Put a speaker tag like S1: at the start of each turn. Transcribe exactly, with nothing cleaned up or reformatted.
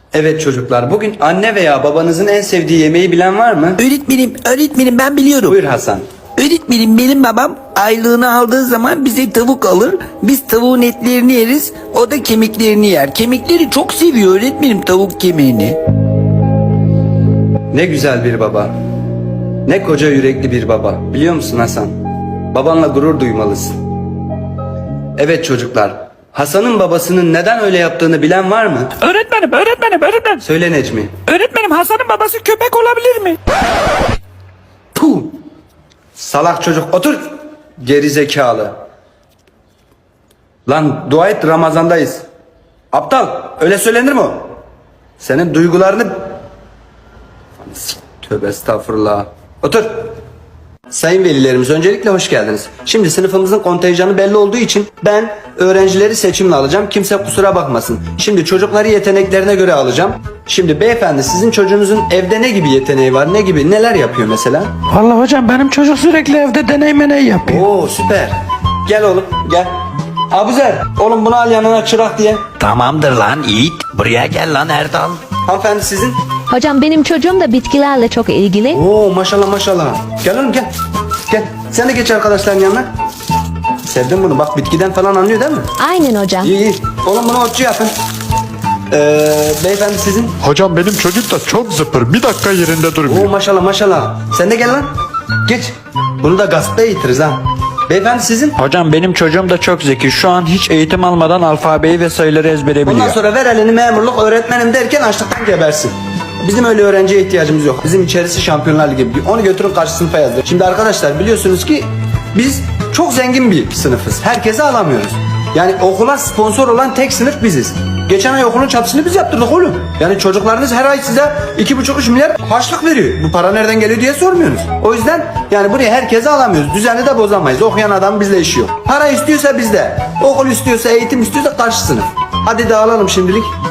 S1: Evet çocuklar, bugün anne veya babanızın en sevdiği yemeği bilen var mı?
S2: Öğretmenim, öğretmenim ben biliyorum.
S1: Buyur Hasan.
S2: Öğretmenim benim babam aylığını aldığı zaman bize tavuk alır. Biz tavuğun etlerini yeriz. O da kemiklerini yer. Kemikleri çok seviyor öğretmenim, tavuk kemiğini.
S1: Ne güzel bir baba. Ne koca yürekli bir baba. Biliyor musun Hasan? Babanla gurur duymalısın. Evet çocuklar, Hasan'ın babasının neden öyle yaptığını bilen var mı?
S3: Öğretmenim, öğretmenim, öğretmenim.
S1: Söyle Necmi.
S3: Öğretmenim, Hasan'ın babası köpek olabilir mi?
S1: Puh! Salak çocuk, otur! Geri zekalı. Lan dua et, Ramazandayız. Aptal, öyle söylenir mi o? Senin duygularını... Tövbe estağfurullah. Otur. Sayın velilerimiz, öncelikle hoş geldiniz. Şimdi sınıfımızın kontenjanı belli olduğu için ben öğrencileri seçimle alacağım. Kimse kusura bakmasın. Şimdi çocukları yeteneklerine göre alacağım. Şimdi beyefendi, sizin çocuğunuzun evde ne gibi yeteneği var? Ne gibi, neler yapıyor mesela?
S3: Vallahi hocam benim çocuk sürekli evde deney meney yapıyor.
S1: Oo süper. Gel oğlum gel. Abuzer, oğlum bunu al yanına çırak diye.
S2: Tamamdır lan Yiğit. Buraya gel lan Erdal.
S1: Hanımefendi sizin?
S4: Hocam benim çocuğum da bitkilerle çok ilgili.
S1: Oo maşallah maşallah. Gel oğlum gel. Gel. Sen de geç arkadaşların yanına. Sevdim bunu. Bak bitkiden falan anlıyor değil mi?
S4: Aynen hocam.
S1: İyi iyi. Oğlum bunu otçu yapın. Ee, beyefendi sizin?
S5: Hocam benim çocuk da çok zıpır. Bir dakika yerinde
S1: Oo
S5: durmuyor.
S1: maşallah maşallah. Sen de gel lan. Geç. Bunu da gazeteye eğitiriz ha. Beyefendi sizin?
S3: Hocam benim çocuğum da çok zeki. Şu an hiç eğitim almadan alfabeyi ve sayıları ezbere biliyor.
S1: Ondan sonra ver elini memurluk öğretmenim derken açlıktan gebersin. Bizim öyle öğrenciye ihtiyacımız yok. Bizim içerisi Şampiyonlar Ligi. Onu götürün karşı sınıfa yazdır. Şimdi arkadaşlar biliyorsunuz ki biz çok zengin bir sınıfız. Herkese alamıyoruz. Yani okula sponsor olan tek sınıf biziz. Geçen ay okulun çatısını biz yaptırdık oğlum. Yani çocuklarınız her ay size iki buçuk üç milyar harçlık veriyor. Bu para nereden geliyor diye sormuyorsunuz. O yüzden yani buraya herkese alamıyoruz. Düzeni de bozamayız. Okuyan adam bizle işi yok. Para istiyorsa bizde. Okul istiyorsa, eğitim istiyorsa karşı sınıf. Hadi dağılalım şimdilik.